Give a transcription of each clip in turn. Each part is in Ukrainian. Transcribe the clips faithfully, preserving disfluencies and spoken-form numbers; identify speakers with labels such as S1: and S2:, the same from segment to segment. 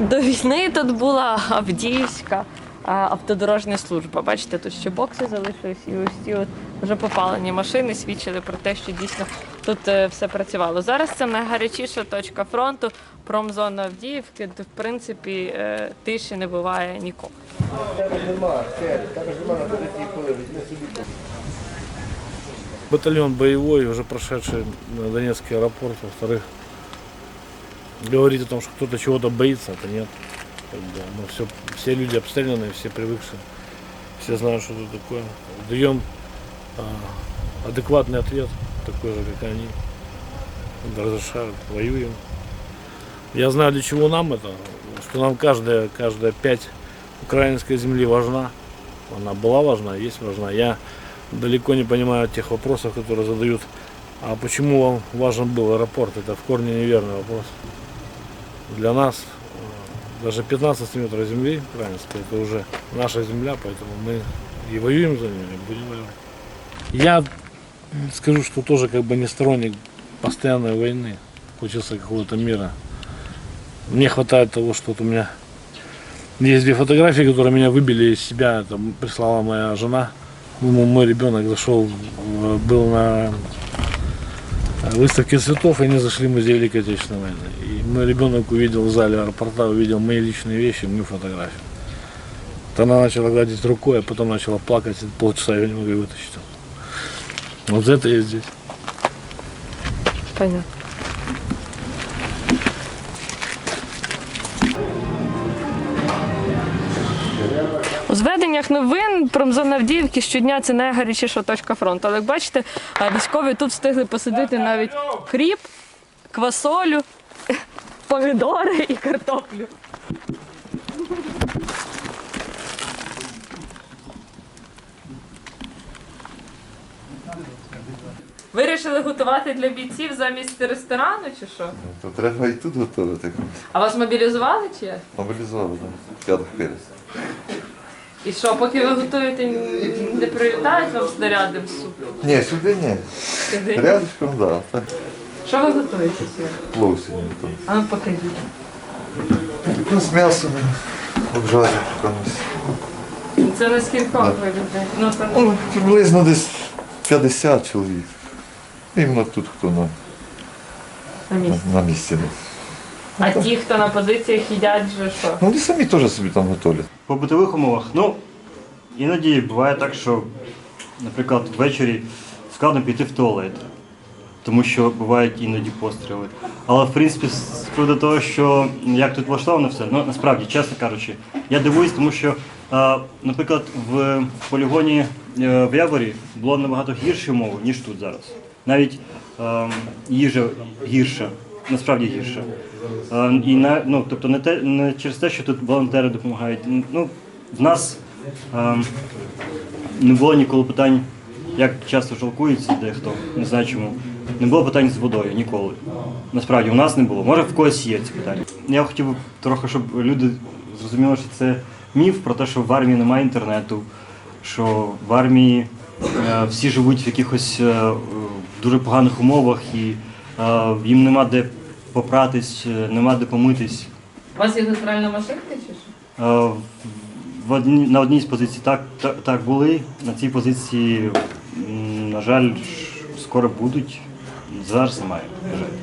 S1: До війни тут була Авдіївська автодорожня служба. Бачите, тут ще бокси залишились, і ось ці от вже попалені машини свідчили про те, що дійсно тут все працювало. Зараз це найгарячіша точка фронту, промзона Авдіївки, де, в принципі, тиші не буває ніколи.
S2: Батальон боевой, уже прошедший на Донецкий аэропорт, во-вторых, говорить о том, что кто-то чего-то боится, это нет. Мы все, все люди обстрелянные, все привыкшие, все знают, что это такое. Даем а, адекватный ответ, такой же, как они. Разрешают, воюем. Я знаю, для чего нам это, что нам каждая, каждая пять украинской земли важна. Она была важна, есть важна. Я далеко не понимаю тех вопросов, которые задают. А почему вам важен был аэропорт? Это в корне неверный вопрос. Для нас даже пятнадцать метров земли украинской, это уже наша земля, поэтому мы и воюем за нее, и будем воевать. Я скажу, что тоже как бы не сторонник постоянной войны. Хочется какого-то мира. Мне хватает того, что вот у меня есть две фотографии, которые меня выбили из себя. Это прислала моя жена. Мой ребенок зашел, был на выставке цветов, и они зашли в музей Великой Отечественной войны. И мой ребенок увидел в зале аэропорта, увидел мои личные вещи, мою фотографию. Вот она начала гладить рукой, а потом начала плакать, и полчаса я не могу вытащить. Вот за это я здесь.
S1: Понятно. У зведеннях новин промзона Авдіївки щодня це найгарячіша точка фронту. Але як бачите, військові тут встигли посадити навіть кріп, квасолю, помідори і картоплю. Вирішили готувати для бійців замість ресторану чи що?
S3: То треба і тут готувати.
S1: А вас мобілізували чи як?
S3: Мобілізували, так. П'ятих перець.
S1: І що, поки ви готуєте, не прилітають вам снаряди в суп?
S3: Ні, сюди ні.
S1: Сюди?
S3: Рядышком, так. Да.
S1: Що ви готуєте сьогодні?
S3: Плов сьогодні готуємо.
S1: А ну покажіть.
S3: Ну, з м'ясом обжарюємо комусь.
S1: Це на скількох ви людей? Ну, там...
S3: Ну, приблизно десь п'ятдесят чоловік. Іменно тут, хто на,
S1: на місці.
S3: на, на місці.
S1: А ті, хто на позиціях їдять вже що?
S3: Ну, вони самі теж собі там готують.
S4: По битових умовах, ну, іноді буває так, що, наприклад, ввечері складно піти в туалет, тому що бувають іноді постріли. Але, в принципі, з приводу того, що як тут влаштовано все, ну, насправді, чесно кажучи, я дивуюсь, тому що, а, наприклад, в полігоні в Яворі було набагато гірші умови, ніж тут зараз. Навіть а, їжа гірша, насправді гірша. А, і на, ну, тобто не, те, не через те, що тут волонтери допомагають. Ну, в нас а, не було ніколи питань, як часто жалкується дехто, не знаю чому. Не було питань з водою ніколи. Насправді, у нас не було. Може, в когось є ці питання. Я хотів би трохи, щоб люди зрозуміли, що це міф про те, що в армії немає інтернету, що в армії е, всі живуть в якихось е, дуже поганих умовах і е, їм нема де попратись, нема де помитись.
S1: У вас є натуральна машинка чи що?
S4: Е, в одні, на одній з позицій так, так, так були, на цій позиції, м, на жаль, скоро будуть. Зараз немає, на жаль.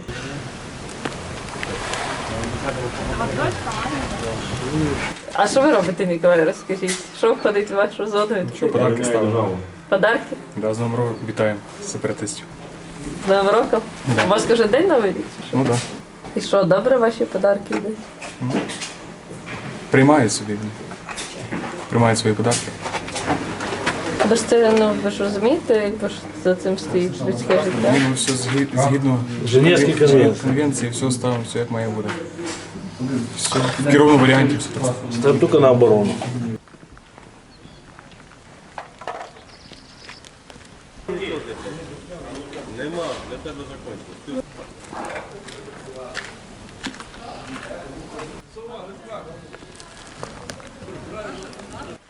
S1: А що ви робите, Миколай, розкажіть? Що входить в вашу зону?
S5: Що, подарки ставимо?
S1: Подарки?
S5: Да, з Новим роком вітаємо сепаратистів.
S1: З Новим роком? У вас кожен день Новий рік? чи що?
S5: Ну так.
S1: І що, добре ваші подарки йдуть?
S5: Да. Приймають собі. Приймають свої подарки.
S1: Ви ж це, ну, ви ж розумієте, якби ж за цим стоїть людське життя?
S5: Ну, все згідно, згідно
S2: Женевській конвенції.
S5: конвенції, все ставимо, все як має бути. Все в керовному варіанті. Все так.
S2: Это только на оборону.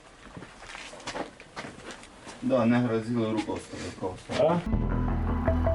S6: Да, не грозили руководство.